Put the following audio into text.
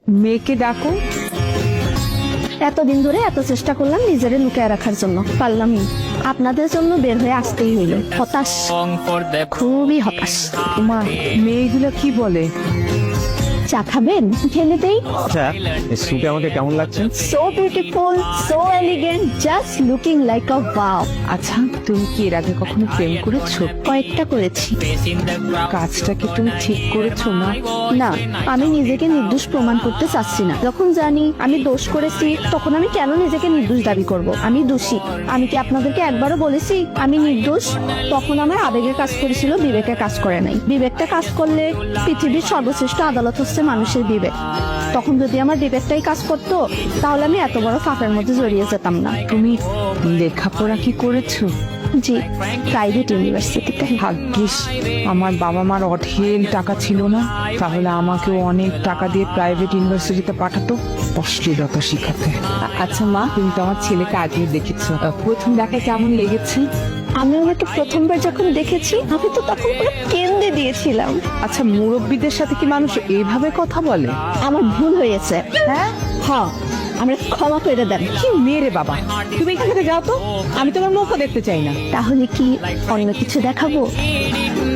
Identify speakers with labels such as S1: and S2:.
S1: মেয়েকে ডাকো।
S2: এতদিন ধরে এত চেষ্টা করলাম নিজেরে লুকিয়ে রাখার জন্য, পারলামই। আপনাদের জন্য বের হয়ে আসতেই হইল। হতাশ, খুবই হতাশ।
S1: মা, মেয়েগুলো কি বলে?
S2: চা খাবেন? ঢেলে দেই।
S3: আচ্ছা, এই স্যুটে আমাকে কেমন লাগছে?
S2: So beautiful, so elegant, just looking like a wow.
S1: আচ্ছা, তুমি কি এর আগে কখনো প্রেম করেছো?
S2: কয়েকটা করেছি।
S1: কাজটা কি তুমি ঠিক করেছো না?
S2: না, আমি নিজেকে নির্দোষ প্রমাণ করতে চাচ্ছি না। যখন জানি আমি দোষ করেছি, তখন আমি কেন নিজেকে নির্দোষ দাবি করব? আমি দোষী। আমি কি আপনাদেরকে একবারও বলেছি আমি নির্দোষ? তখন আমার আবেগে কাজ করেছিল, বিবেকে কাজ করে নাই। বিবেকটা কাজ করলে পৃথিবীর সর্বশ্রেষ্ঠ আদালত হচ্ছে মানুষের বিবেক। তখন যদি আমার বিবেকটাই কাজ করতো, তাহলে আমি এত বড় ফাঁকের মধ্যে জড়িয়ে যেতাম না।
S1: তুমি লেখাপড়া কি করেছো?
S2: জি, প্রাইভেট ইউনিভার্সিটিতে।
S1: ভাগ্যিস আমার বাবা মার অঢেল টাকা ছিল না, তাহলে আমাকেও অনেক টাকা দিয়ে প্রাইভেট ইউনিভার্সিটিতে পাঠাতো অশ্লীলতা শিখাতে। আচ্ছা মা, তুমি তো আমার ছেলেকে আগে দেখেছো, প্রথম দেখায় কেমন লেগেছে?
S2: আমি ওনাকে প্রথমবার যখন দেখেছি, আমি তো তখন পুরো কেঁদে দিয়েছিলাম।
S1: আচ্ছা, মুরব্বীদের সাথে কি মানুষ এইভাবে কথা বলে?
S2: আমার ভুল হয়েছে।
S1: হ্যাঁ,
S2: হ্যাঁ, আমরা ক্ষমা করে দেন।
S1: কি মেরে বাবা, তুমি এখান থেকে যাও তো, আমি তোমার মুখও দেখতে চাই না।
S2: তাহলে কি অন্য কিছু দেখাবো?